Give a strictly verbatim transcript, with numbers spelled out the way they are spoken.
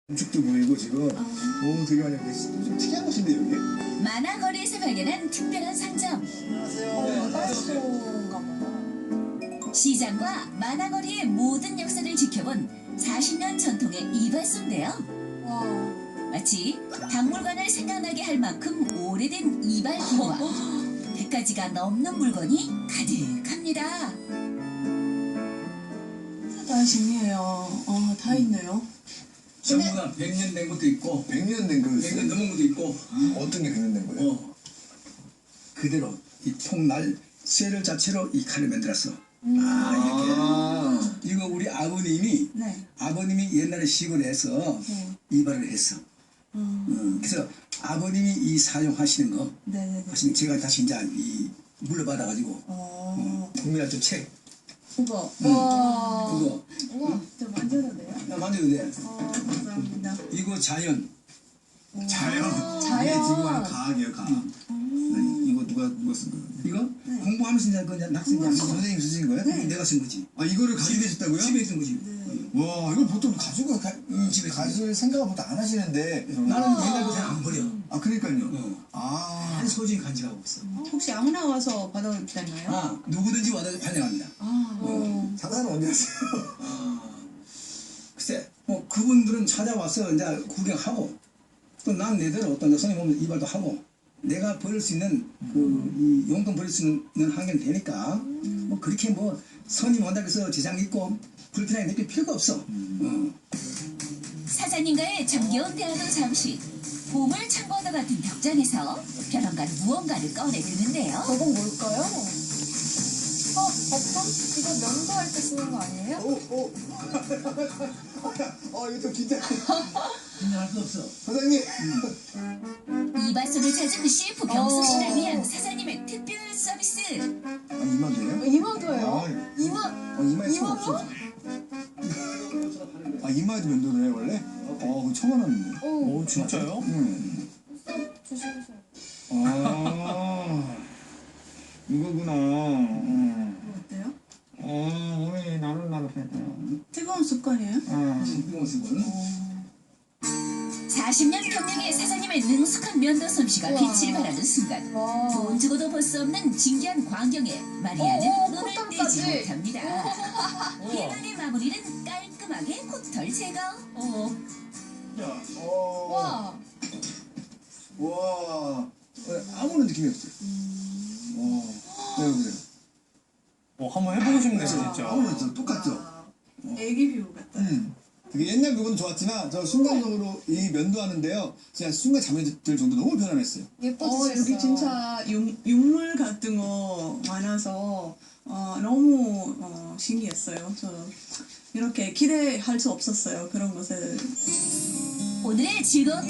건축도 보이고 지금 오 되게 많이 근데 좀 특이한 곳인데 여기? 만화거리에서 발견한 특별한 상점. 안녕하세요. 이발소인가 보다. 시장과 만화거리의 모든 역사를 지켜본 사십 년 전통의 이발소인데요. 와. 마치 박물관을 생각나게 할 만큼 오래된 이발기와 백 가지가 넘는 물건이 가득합니다. 다 신기해요. 어, 다 있네요. 전부 다 백 년 된 것도 있고 백 년 된 백 년 거였어요? 넘은 것도 있고 어떤 게 백 년 된 거예요? 어 그대로 이 통날 쇠를 자체로 이 칼을 만들었어. 음. 아 이렇게 이거 우리 아버님이 네. 아버님이 옛날에 시골에서 네. 이발을 했어. 음. 음, 그래서 아버님이 이 사용하시는 거 네네네. 하시는 제가 다시 이제 이 물려받아가지고 어. 국민학교 책 이거. 음. 와. 그거 우와. 저 만져도 돼요? 나 만져도 돼. 어, 감사합니다. 이거 자연. 자연. 자연. 이게 지금 하는 과학이에요, 과학. 네, 이거 누가 누가 쓴 거예요? 이거 네. 공부하면서 이제 그냥 학생이 아, 하는 거. 선생님 쓰신 거예요? 네. 내가 쓴 거지. 아 이거를 가지고 계셨다고요? 집에 있는 거지. 와 이걸 보통 가지고 가, 음, 집에 가실 생각을 보통 안 하시는데 나는 옛날부터 잘 안 버려. 아 그러니까요. 어. 아 한 소중히 간직하고 있어. 혹시 아무나 와서 받아도 되나요? 아 누구든지 와도 환영합니다. 아. 어. 장사는 언제 하세요? 아, 글쎄 뭐 그분들은 찾아와서 이제 구경하고 또 난 내대로 어떤 이제 손님 오면 이발도 하고 내가 버릴 수 있는 그 이 용돈 버릴 수 있는 환경이 되니까 뭐 그렇게 뭐 손님 온다고 해서 지장 있고 불편하게 느낄 필요가 없어. 어. 사장님과의 정겨운 대화도 잠시 보물 창고와 같은 벽장에서 벼랑간 무언가를 꺼내드는데요. 저건 뭘까요? 어, 버튼? 이거 면도할 때 쓰는 거 아니에요? 오 오. 어 이거 좀 긴장. 긴장할 거 없어. 사장님. 이발소를 찾은 셰프 병수 씨를 위한 사장님의 특별 서비스. 아 이만도예요? 이만도예요? 아, 이만. 어 이마에 손 이만도? 없어. 아 이마에도 면도를 해 원래? 어 그거 처음 알았는데. 오. 오 진짜요? 응. 조심하세요. 아 이거구나. 응. 어때요? 어 오늘 나는 나는 했다. 뜨거운 습관이에요? 아. 신병수분. 사십 년 경력의 사장님의 능숙한 면도 솜씨가 우와. 빛을 발하는 순간 와. 돈 주고도 볼 수 없는 진기한 광경에 마리아는 오, 눈을 코털까지. 떼지 못합니다. 대단의 마무리는 깔끔하게 코털 제거. 어. 야. 어. 와. 와. 어, 아무런 느낌이 없어요. 와. 네, 그래요. 어, 한번 해보고 싶네, 진짜. 아무런 없어. 똑같죠? 아, 애기 피부 같다. 음. 되게 옛날 부분은 좋았지만 저 순간적으로 이 면도하는데요. 진짜 순간 잠이 들 정도 너무 편안했어요. 어, 예뻐지셨어요. 여기 진짜 육, 육물 같은 거 많아서 어, 너무 어, 신기했어요. 저 이렇게 기대할 수 없었어요. 그런 것을. 오늘의 즐거운